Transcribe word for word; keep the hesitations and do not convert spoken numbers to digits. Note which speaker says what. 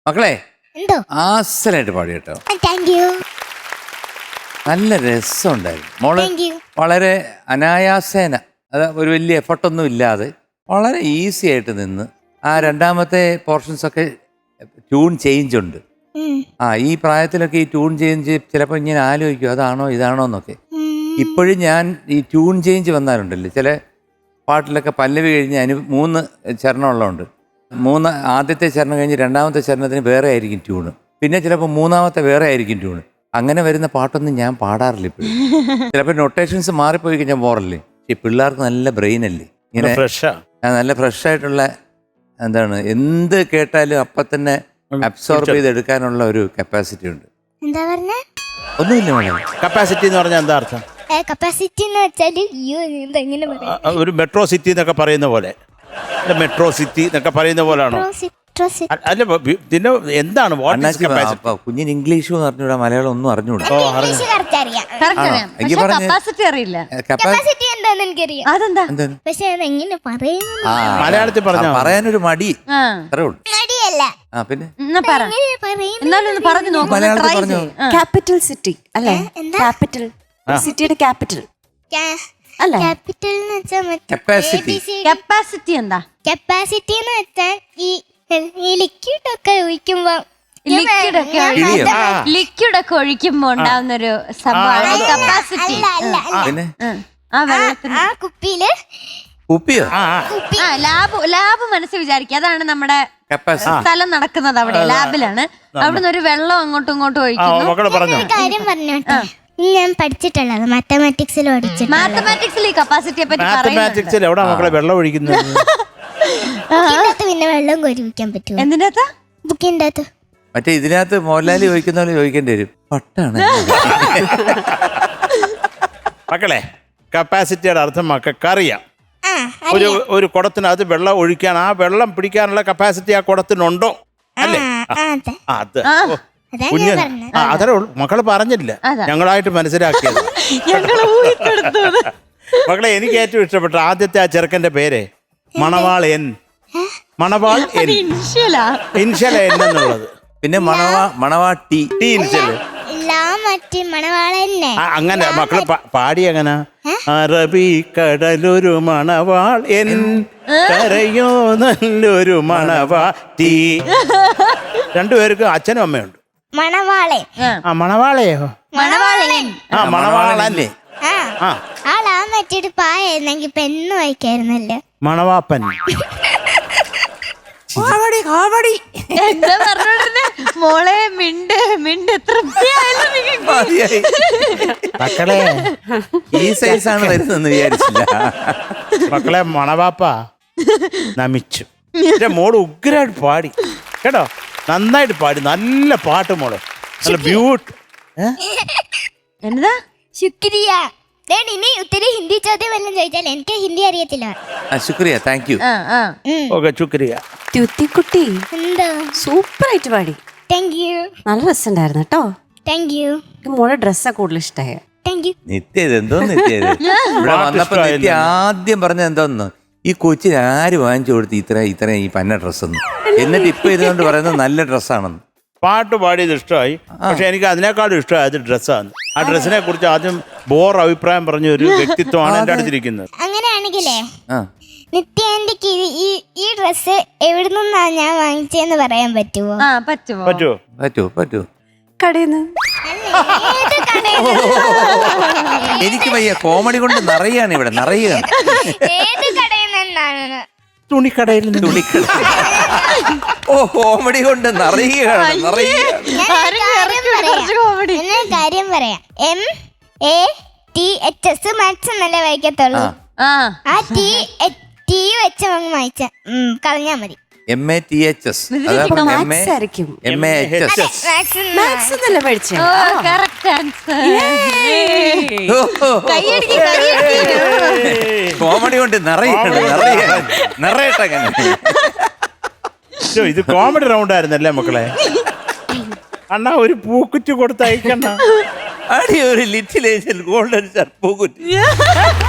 Speaker 1: മക്കളെ
Speaker 2: എന്തോ
Speaker 1: ആസലായിട്ട് പാടി കേട്ടോ.
Speaker 2: Thank you.
Speaker 1: നല്ല രസമുണ്ടായിരുന്നു മോള്.
Speaker 2: Thank you.
Speaker 1: വളരെ അനായാസേന, അത് ഒരു വലിയ എഫർട്ടൊന്നും ഇല്ലാതെ വളരെ ഈസി ആയിട്ട് നിന്ന് ആ രണ്ടാമത്തെ പോർഷൻസ് ഒക്കെ ട്യൂൺ ചേഞ്ച് ഉണ്ട്. ആ ഈ പ്രായത്തിലൊക്കെ ഈ ട്യൂൺ ചേഞ്ച് ചിലപ്പോൾ ഇങ്ങനെ ആലോചിക്കും അതാണോ ഇതാണോ എന്നൊക്കെ. ഇപ്പോഴും ഞാൻ ഈ ട്യൂൺ ചേഞ്ച് വന്നാലുണ്ടല്ലോ ചില പാട്ടിലൊക്കെ പല്ലവി കഴിഞ്ഞ് അതിന് മൂന്ന് ചരണമുള്ളതുണ്ട്. മൂന്ന് ആദ്യത്തെ ചരണം കഴിഞ്ഞ് രണ്ടാമത്തെ ചരണത്തിന് വേറെ ആയിരിക്കും ട്യൂണ്, പിന്നെ ചിലപ്പോൾ മൂന്നാമത്തെ വേറെ ആയിരിക്കും ട്യൂണ്. അങ്ങനെ വരുന്ന പാട്ടൊന്നും ഞാൻ പാടാറില്ല ഇപ്പോഴും. ചിലപ്പോൾ നൊട്ടേഷൻസ് മാറിപ്പോയി കഴിഞ്ഞാൽ പോറല്ലേ. ഈ പിള്ളേർക്ക് നല്ല ബ്രെയിൻ അല്ലേ, ഇങ്ങനെ നല്ല ഫ്രഷ് ആയിട്ടുള്ള എന്താണ് എന്ത് കേട്ടാലും അപ്പം തന്നെ അബ്സോർബ് ചെയ്തെടുക്കാനുള്ള ഒരു കപ്പാസിറ്റി ഉണ്ട്.
Speaker 2: എന്താ പറഞ്ഞ
Speaker 1: ഒന്നുമില്ല മോളെ.
Speaker 3: കപ്പാസിറ്റി എന്ന് പറഞ്ഞാൽ എന്താ അർത്ഥം?
Speaker 2: കപ്പാസിറ്റി എന്ന് വെച്ചാല് എങ്ങനെ
Speaker 3: ഒരു മെട്രോ സിറ്റി എന്നൊക്കെ പറയുന്ന പോലെ, മെട്രോ സിറ്റി എന്നൊക്കെ പറയുന്ന പോലാണോ? അല്ല പിന്നെ എന്താണ്
Speaker 1: കുഞ്ഞിന് ഇംഗ്ലീഷ് പറഞ്ഞൂടാ, മലയാളം ഒന്നും അറിഞ്ഞൂടാ.
Speaker 3: മലയാളത്തിൽ പറഞ്ഞാൽ
Speaker 1: പറയാനൊരു മടി. പിന്നെ മലയാളത്തിൽ പറഞ്ഞു
Speaker 4: ക്യാപിറ്റൽ സിറ്റി അല്ലേ? ക്യാപിറ്റൽ സിറ്റിയുടെ ക്യാപിറ്റൽ അല്ല.
Speaker 1: കപ്പാസിറ്റി
Speaker 5: കപ്പാസിറ്റി എന്താ?
Speaker 2: കപ്പാസിറ്റി എന്ന് വെച്ചാൽ ഈ ലിക്വിഡ് ഒക്കെ ഒഴിക്കുമ്പോ
Speaker 5: ലിക്വിഡ് ഒക്കെ ലിക്വിഡ് ഒക്കെ ഒഴിക്കുമ്പോ ഉണ്ടാവുന്ന ഒരു സംഭവമാണ് കപ്പാസിറ്റി.
Speaker 1: പിന്നെ
Speaker 5: ആ വെള്ളത്തിന്
Speaker 2: ആ കുപ്പിയില്
Speaker 1: കുപ്പിയോ
Speaker 5: ലാബ് ലാബ് മനസ്സിൽ വിചാരിക്കുക. അതാണ് നമ്മുടെ സ്ഥലം നടക്കുന്നത്, അവിടെ ലാബിലാണ്. അവിടുന്ന് ഒരു വെള്ളം അങ്ങോട്ടും ഇങ്ങോട്ടും ഒഴിക്കുന്നു.
Speaker 2: കാര്യം പറഞ്ഞോട്ടെ, ഞാൻ പഠിച്ചിട്ടുള്ളത് മാത്തമാറ്റിക്സിൽ പഠിച്ചിട്ട്.
Speaker 5: മാത്തമാറ്റിക്സിൽ ഈ കപ്പാസിറ്റിയെ പറ്റി
Speaker 3: മാത്തമാറ്റിക്സിൽ എവിടെ മക്കളെ വെള്ളം ഒഴിക്കുന്നത്?
Speaker 2: ബുക്കിനകത്ത് പിന്നെ വെള്ളം കൊരിക്കാൻ പറ്റുമോ?
Speaker 5: എന്തിനകത്ത്?
Speaker 2: ബുക്കിന്റെ അകത്ത്.
Speaker 1: മറ്റേ ഇതിനകത്ത് മോഹൻലാലി ചോദിക്കുന്ന പോലെ ചോദിക്കേണ്ടി വരും. പട്ടാണ്
Speaker 3: മക്കളെ, കപ്പാസിറ്റിയുടെ അർത്ഥം മക്കൾക്ക് അറിയാം. ഒരു ഒരു കുടത്തിനകത്ത് വെള്ളം ഒഴിക്കാൻ, ആ വെള്ളം പിടിക്കാനുള്ള കപ്പാസിറ്റി ആ കുടത്തിനുണ്ടോ അല്ലേ? അത് കുഞ്ഞ് അതേ ഉള്ളൂ. മക്കള് പറഞ്ഞില്ല, ഞങ്ങളായിട്ട് മനസ്സിലാക്കിയത്. മക്കളെ, എനിക്ക് ഏറ്റവും ഇഷ്ടപ്പെട്ട ആദ്യത്തെ ആ ചെറുക്കന്റെ പേര് മണവാൾ എൻ. മണവാൾ എൻ ഇൻഷല എൻ എന്നുള്ളത്.
Speaker 1: പിന്നെ മണവാ മണവാ ടി ടി ഇൻഷല്
Speaker 3: അങ്ങനെ മക്കളെ പാടി അങ്ങനെ. അറബി കടലൊരു മണവാൾ എൻ, കരയോ നല്ലൊരു മണവാ ടി. രണ്ടുപേർക്ക് അച്ഛനും അമ്മയുണ്ട്.
Speaker 2: മണവാളൻ.
Speaker 3: ആ മണവാളയോ?
Speaker 5: മണവാളൻ.
Speaker 3: ആ മണവാളല്ലേ?
Speaker 2: ആളാ മറ്റൊരു പായെന്നെങ്കിൽ പെണ്ണ് വായിക്കായിരുന്നല്ലോ.
Speaker 3: മണവാപ്പൻ.
Speaker 5: മോളെ മിണ്ട് മിണ്ട്
Speaker 3: മക്കളെ
Speaker 1: ഈ സൈസാണ് വരുന്നെന്ന് വിചാരിച്ചില്ല.
Speaker 3: മക്കളെ, മണവാപ്പ നമിച്ചു. എന്റെ മോള് ഉഗ്രായിട്ട് പാടി കേട്ടോ, നന്നായിട്ട് പാടി. നല്ല പാട്ട് മോള്, നല്ല ബ്യൂട്ടി.
Speaker 5: എന്താ
Speaker 2: ശുക്രിയ. ഇനി ഒത്തിരി ഹിന്ദി ചോദ്യം വല്ലതും ചോദിച്ചാൽ എനിക്ക് ഹിന്ദി അറിയത്തില്ല.
Speaker 1: ശുക്രിയ, താങ്ക് യു.
Speaker 3: ഓക്കെ, ശുക്രിയ.
Speaker 4: ത്യുത്തിക്കുട്ടി
Speaker 2: എന്തോ
Speaker 4: സൂപ്പർ ആയിട്ട് പാടി.
Speaker 2: Thank you.
Speaker 4: നല്ല രസമുണ്ടായിരുന്നു കേട്ടോ.
Speaker 2: Thank you.
Speaker 4: മോളെ ഡ്രസ്സാ കൂടുതൽ ഇഷ്ടമായ.
Speaker 2: Thank you.
Speaker 1: നിത്യത് എന്തോ നിത്യത് ഇവിടെ വന്നപ്പോ നിത്യ ആദ്യം പറഞ്ഞത് എന്തോന്ന്, ഈ കൊച്ചിന് ആര് വാങ്ങിച്ചു കൊടുത്ത് ഇത്ര ഇത്ര ഈ പന്ന ഡ്രസ്സൊന്നും, എന്നിട്ട് ഇപ്പൊ ഇതുകൊണ്ട് പറയുന്നത് നല്ല ഡ്രസ്സാണെന്ന്.
Speaker 3: പാട്ട് പാടിയത് ഇഷ്ടമായി, പക്ഷെ എനിക്ക് അതിനേക്കാളും ഇഷ്ടമായത് ഡ്രസ്സാണ്. ആ ഡ്രസ്സിനെ കുറിച്ച് ആദ്യം ബോർ അഭിപ്രായം പറഞ്ഞ ഒരു വ്യക്തിത്വമാണ് എന്റെ അടുത്തിരിക്കുന്നത്.
Speaker 2: അങ്ങനെയാണെങ്കിലേ നിത്യാന്റിക്ക് ഈ ഈ ഡ്രസ്സ് എവിടെ നിന്നാ ഞാൻ വാങ്ങിച്ചെന്ന് പറയാൻ പറ്റുമോ?
Speaker 5: പറ്റുമോ
Speaker 3: പറ്റുമോ
Speaker 1: പറ്റുമോ പറ്റുമോ
Speaker 4: കടയിന്ന്.
Speaker 1: എനിക്ക് വയ്യ, കോമഡി കൊണ്ട് നിറയാണ് ഇവിടെ, നിറയാണ്.
Speaker 2: ഏത് കടയിൽ നിന്നാണ്?
Speaker 3: തുണിക്കടയിൽ നിന്ന്.
Speaker 1: തുണിക്കട. ഓ, കോമഡി കൊണ്ട് നിറയുകയാണ്, നിറയുകയാണ്.
Speaker 2: കാര്യം പറയാം. M A T H S maths എന്നല്ലേ വായിക്കത്തുള്ളൂ. ആ ടി ടി വെച്ച് അങ്ങ് വായിച്ച കളഞ്ഞാ മതി.
Speaker 1: M A T H S comedy കൊണ്ട് നിറയാണ്, നിറയാണ്, നിറയട്ടെ.
Speaker 3: ഇത് കോമഡി റൗണ്ട് ആയിരുന്നല്ലേ മക്കളെ? അണ്ണാ ഒരു പൂക്കുറ്റി കൊടുത്ത് അയക്കണ്ട.
Speaker 1: അടി ഒരു ലിറ്റിൽ ഏഞ്ചൽ ഗോൾഡൻ പൂക്കുറ്റി.